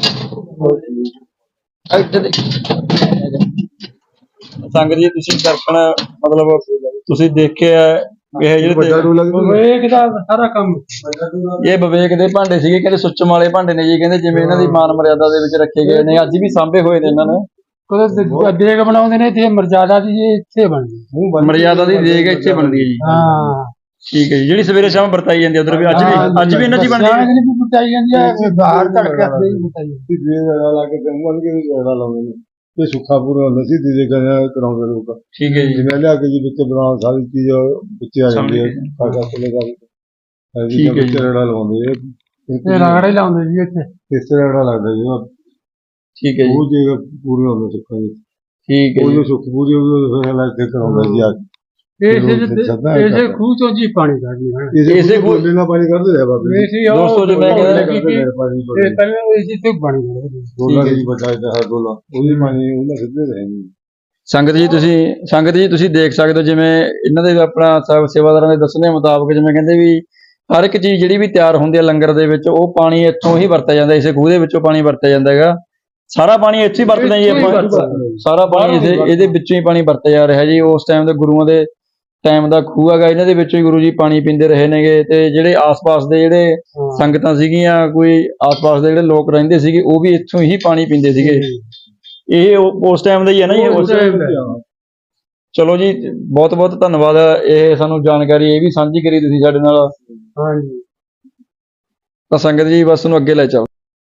Speaker 1: ਸੰਗਤ ਜੀ ਤੁਸੀਂ ਦਰਪਣ ਮਤਲਬ ਤੁਸੀਂ ਦੇਖਿਆ ਇਹ
Speaker 2: ਵਿਵੇਕ ਦਾ ਸਾਰਾ ਕੰਮ
Speaker 1: ਇਹ ਵਿਵੇਕ ਦੇ ਭਾਂਡੇ ਸੀਗੇ ਕਹਿੰਦੇ ਸੁੱਚਮ ਵਾਲੇ ਭਾਂਡੇ ਨੇ ਜੀ ਕਹਿੰਦੇ ਜਿਵੇਂ ਇਹਨਾਂ ਦੀ ਮਾਨ ਮਰਿਆਦਾ ਦੇ ਵਿੱਚ ਰੱਖੇ ਗਏ ਨੇ ਅੱਜ ਵੀ ਸਾਂਭੇ ਹੋਏ ਨੇ ਇਹਨਾਂ ਨੇ।
Speaker 2: ਕਦੇ ਦੇਗ ਬਣਾਉਂਦੇ ਨੇ ਤੇ ਮਰਜ਼ਾਦਾ ਦੀ ਇੱਥੇ ਬਣਦੀ
Speaker 1: ਮਰਿਆਦਾ ਦੀ ਦੇਗ ਇੱਥੇ ਬਣਦੀ ਹੈ ਜੀ।
Speaker 2: ਹਾਂ
Speaker 1: ਠੀਕ ਹੈ ਜੀ। ਜਿਹੜੀ ਸਵੇਰੇ ਸ਼ਾਮ ਵਰਤਾਈ ਜਾਂਦੀ ਉਧਰ ਵੀ ਅੱਜ ਵੀ ਇਹਨਾਂ ਚ ਬਣਦੀ ਹੈ।
Speaker 2: ਵੀ ਬਤਾਈ ਜਾਂਦੀ ਹੈ ਬਾਹਰ ਧੜਕੇ ਹੱਥ ਦੀ ਬਤਾਈ
Speaker 3: ਲਾ ਕੇ ਬੰਨ ਕੇ ਲਾਉਂਦੇ ਨੇ ਇਹ ਸੁੱਖਾ ਪੂਰਾ ਹੁੰਦਾ ਸੀ ਦੀਦੇ ਕਰਾਉਂਦੇ ਲੋਕ।
Speaker 1: ਠੀਕ ਹੈ ਜੀ।
Speaker 3: ਜਿਵੇਂ ਲਿਆ ਕੇ ਜੀ ਵਿੱਚ ਬਣਾਉਣ ਸਾਰੀ ਚੀਜ਼ ਵਿੱਚ ਆ ਜਾਂਦੀ ਹੈ ਕਾਕਾ ਕੋਲੇ ਦਾ
Speaker 1: ਠੀਕ ਹੈ ਜੀ।
Speaker 3: ਰੜਾ ਲਾਉਂਦੇ
Speaker 2: ਇਹ ਰਗੜੇ ਲਾਉਂਦੇ ਜੀ ਇੱਥੇ
Speaker 3: ਇਸ ਤਰ੍ਹਾਂ ਰੜਾ ਲੱਗਦਾ ਜੀ
Speaker 1: ਠੀਕ ਹੈ ਜੀ।
Speaker 3: ਉਹ ਜਗ੍ਹਾ ਪੂਰੀ ਹੁੰਦਾ ਸੁੱਖਾ ਜੀ
Speaker 1: ਠੀਕ ਹੈ
Speaker 3: ਉਹ
Speaker 1: ਜੀ।
Speaker 3: ਜੋ ਸੁੱਖ ਪੂਰੀ ਉਹ ਫਿਰ ਲੱਗ ਕੇ ਕਰਾਉਂਦਾ ਜੀ ਆ
Speaker 2: ਇਸੇ ਖੂਹ ਚੋਂ ਜੀ ਪਾਣੀ ਕੱਢਦੇ
Speaker 3: ਇਸੇ ਕੋਲੇ ਨਾਲ ਪਾਣੀ ਕੱਢਦੇ ਰਿਹਾ ਬਾਬੇ
Speaker 1: ਦੋਸਤੋ ਜੀ ਮੈਂ ਕਹਿੰਦਾ
Speaker 2: ਇਹ ਪਹਿਲਾਂ ਇਸੇ ਤੋਂ ਪਾਣੀ ਕੱਢਦੇ
Speaker 3: ਦੋਲਾ ਜੀ ਵੱਡਾ ਇਹਦਾ ਹਰ ਦੋਲਾ ਉਹਦੀ ਪਾਣੀ ਉਹਨਾਂ ਸਿੱਧੇ ਰਹੇ
Speaker 1: ਸੰਗਤ ਜੀ ਤੁਸੀਂ ਦੇਖ ਸਕਦੇ ਹੋ ਜਿਵੇਂ ਇਹਨਾਂ ਦੇ ਆਪਣਾ ਸੇਵਾਦਾਰਾਂ ਦੇ ਦੱਸਣ ਦੇ ਮੁਤਾਬਕ ਜਿਵੇਂ ਕਹਿੰਦੇ ਵੀ ਹਰ ਇੱਕ ਚੀਜ਼ ਜਿਹੜੀ ਵੀ ਤਿਆਰ ਹੁੰਦੀ ਹੈ ਲੰਗਰ ਦੇ ਵਿੱਚ ਉਹ ਪਾਣੀ ਇੱਥੋਂ ਹੀ ਵਰਤਿਆ ਜਾਂਦਾ ਇਸੇ ਖੂਹ ਦੇ ਵਿੱਚੋਂ ਪਾਣੀ ਵਰਤਿਆ ਜਾਂਦਾ ਹੈਗਾ। ਸਾਰਾ ਪਾਣੀ ਇੱਥੇ ਹੀ ਵਰਤਦੇ ਜੀ ਆਪਾਂ ਸਾਰਾ ਪਾਣੀ ਇਹਦੇ ਵਿੱਚੋਂ ਹੀ ਪਾਣੀ ਵਰਤਿਆ ਜਾ ਰਿਹਾ ਜੀ। ਉਸ ਟਾਈਮ ਦੇ ਗੁਰੂਆਂ ਦੇ ਟਾਈਮ ਦਾ ਖੂਹ ਹੈਗਾ ਇਹਨਾਂ ਦੇ ਵਿੱਚੋਂ ਹੀ ਗੁਰੂ ਜੀ ਪਾਣੀ ਪੀਂਦੇ ਰਹੇ ਨੇਗੇ ਤੇ ਜਿਹੜੇ ਆਸ-ਪਾਸ ਦੇ ਜਿਹੜੇ ਸੰਗਤਾਂ ਸੀਗੀਆਂ ਕੋਈ ਆਸ-ਪਾਸ ਦੇ ਜਿਹੜੇ ਲੋਕ ਰਹਿੰਦੇ ਸੀਗੇ ਉਹ ਵੀ ਇੱਥੋਂ ਹੀ ਪਾਣੀ ਪੀਂਦੇ ਸੀਗੇ। ਇਹ ਉਸ ਟਾਈਮ ਦਾ ਹੀ ਹੈ ਨਾ ਜੀ। ਚਲੋ ਜੀ ਬਹੁਤ ਬਹੁਤ ਧੰਨਵਾਦ ਇਹ ਸਾਨੂੰ ਜਾਣਕਾਰੀ ਇਹ ਵੀ ਸਾਂਝੀ ਕਰੀ ਤੁਸੀਂ ਸਾਡੇ ਨਾਲ।
Speaker 2: ਹਾਂਜੀ
Speaker 1: ਤਾਂ ਸੰਗਤ ਜੀ ਬਸ ਨੂੰ ਅੱਗੇ ਲੈ ਚੱਲ।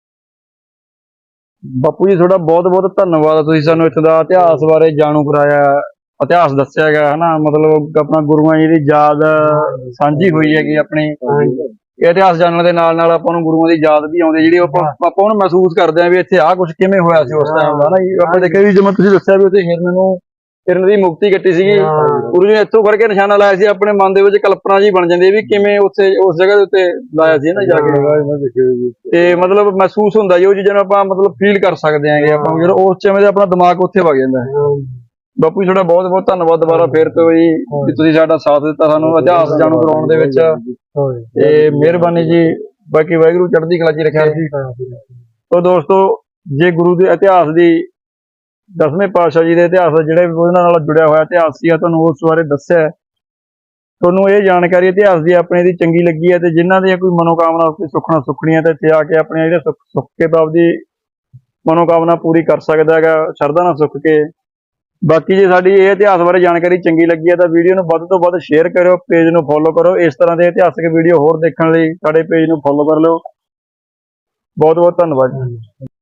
Speaker 1: ਬਾਪੂ ਜੀ ਤੁਹਾਡਾ ਬਹੁਤ ਬਹੁਤ ਧੰਨਵਾਦ ਤੁਸੀਂ ਸਾਨੂੰ ਇੱਥੇ ਦਾ ਇਤਿਹਾਸ ਬਾਰੇ ਜਾਣੂ ਕਰਾਇਆ ਇਤਿਹਾਸ ਦੱਸਿਆ ਗਿਆ ਹਨਾ ਮਤਲਬ ਆਪਣਾ ਗੁਰੂਆਂ ਜੀ ਦੀ ਯਾਦ ਸਾਂਝੀ ਹੋਈ ਹੈਗੀ ਆਪਣੀ। ਇਹ ਇਤਿਹਾਸ ਜਾਣਨ ਦੇ ਨਾਲ ਨਾਲ ਆਪਾਂ ਨੂੰ ਗੁਰੂਆਂ ਦੀ ਯਾਦ ਵੀ ਆਉਂਦੀ ਜਿਹੜੀ ਆਪਾਂ ਹੁਣ ਮਹਿਸੂਸ ਕਰਦੇ ਹਾਂ ਵੀ ਇੱਥੇ ਆਹ ਕੁਝ ਕਿਵੇਂ ਹੋਇਆ ਸੀ ਉਸ ਟਾਈਮ ਦਾ ਨਾ ਜੀ। ਆਪਾਂ ਦੇਖਿਆ ਵੀ ਜਿਵੇਂ ਤੁਸੀਂ ਦੱਸਿਆ ਵੀ ਉੱਥੇ ਹਿਰਨ ਦੀ ਮੁਕਤੀ ਕੱਟੀ ਸੀਗੀ ਗੁਰੂ ਜੀ ਨੇ ਇੱਥੋਂ ਫੜ ਕੇ ਨਿਸ਼ਾਨਾ ਲਾਇਆ ਸੀ ਆਪਣੇ ਮਨ ਦੇ ਵਿੱਚ ਕਲਪਨਾ ਜੀ ਬਣ ਜਾਂਦੀ ਵੀ ਕਿਵੇਂ ਉੱਥੇ ਉਸ ਜਗ੍ਹਾ ਦੇ ਉੱਤੇ ਲਾਇਆ ਸੀ ਨਾ ਜਾ ਕੇ ਤੇ ਮਤਲਬ ਮਹਿਸੂਸ ਹੁੰਦਾ ਜੀ ਉਹ ਚੀਜ਼ਾਂ ਨੂੰ ਆਪਾਂ ਮਤਲਬ ਫੀਲ ਕਰ ਸਕਦੇ ਆਂਗੇ ਆਪਾਂ ਜਦੋਂ ਉਸ ਸਮੇਂ ਤੇ ਆਪਣਾ ਦਿਮਾਗ ਉੱਥੇ ਵਗ ਜਾਂਦਾ ਹੈ। ਬਾਪੂ ਜੀ ਤੁਹਾਡਾ ਬਹੁਤ ਬਹੁਤ ਧੰਨਵਾਦ ਦੁਬਾਰਾ ਫੇਰ ਤੋਂ ਜੀ ਵੀ ਤੁਸੀਂ ਸਾਡਾ ਸਾਥ ਦਿੱਤਾ ਸਾਨੂੰ ਇਤਿਹਾਸ ਜਾਣੂ ਕਰਾਉਣ ਦੇ ਵਿੱਚ ਤੇ ਮਿਹਰਬਾਨੀ ਜੀ। ਬਾਕੀ ਵਾਹਿਗੁਰੂ ਚੜ੍ਹਦੀ ਕਲਾ 'ਚ ਰੱਖਿਆ ਜੀ। ਤੋ ਦੋਸਤੋ ਜੇ ਗੁਰੂ ਦੇ ਇਤਿਹਾਸ ਦੀ 10ਵੇਂ ਪਾਤਸ਼ਾਹ ਜੀ ਦੇ ਇਤਿਹਾਸ ਜਿਹੜੇ ਉਹਨਾਂ ਨਾਲ ਜੁੜਿਆ ਹੋਇਆ ਇਤਿਹਾਸ ਸੀ ਤੁਹਾਨੂੰ ਉਸ ਬਾਰੇ ਦੱਸਿਆ। ਤੁਹਾਨੂੰ ਇਹ ਜਾਣਕਾਰੀ ਇਤਿਹਾਸ ਦੀ ਆਪਣੇ ਦੀ ਚੰਗੀ ਲੱਗੀ ਹੈ ਤੇ ਜਿਨ੍ਹਾਂ ਦੀਆਂ ਕੋਈ ਮਨੋਕਾਮਨਾ ਸੁੱਖਣਾ ਸੁੱਖਣੀਆਂ ਤੇ ਇੱਥੇ ਆ ਕੇ ਆਪਣੇ ਜਿਹੜੇ ਸੁੱਖ ਕੇ ਬਾਬ ਦੀ ਮਨੋਕਾਮਨਾ ਪੂਰੀ ਕਰ ਸਕਦਾ ਹੈਗਾ ਸ਼ਰਧਾ ਨਾਲ ਸੁੱਖ ਕੇ। ਬਾਕੀ ਜੇ ਸਾਡੀ ਇਹ ਇਤਿਹਾਸ ਬਾਰੇ ਜਾਣਕਾਰੀ ਚੰਗੀ ਲੱਗੀ ਹੈ ਤਾਂ ਵੀਡੀਓ ਨੂੰ ਵੱਧ ਤੋਂ ਵੱਧ ਸ਼ੇਅਰ ਕਰਿਓ, ਪੇਜ ਨੂੰ ਫੋਲੋ ਕਰੋ। ਇਸ ਤਰ੍ਹਾਂ ਦੇ ਇਤਿਹਾਸਕ ਵੀਡੀਓ ਹੋਰ ਦੇਖਣ ਲਈ ਸਾਡੇ ਪੇਜ ਨੂੰ ਫੋਲੋ ਕਰ ਲਿਓ। ਬਹੁਤ ਬਹੁਤ ਧੰਨਵਾਦ।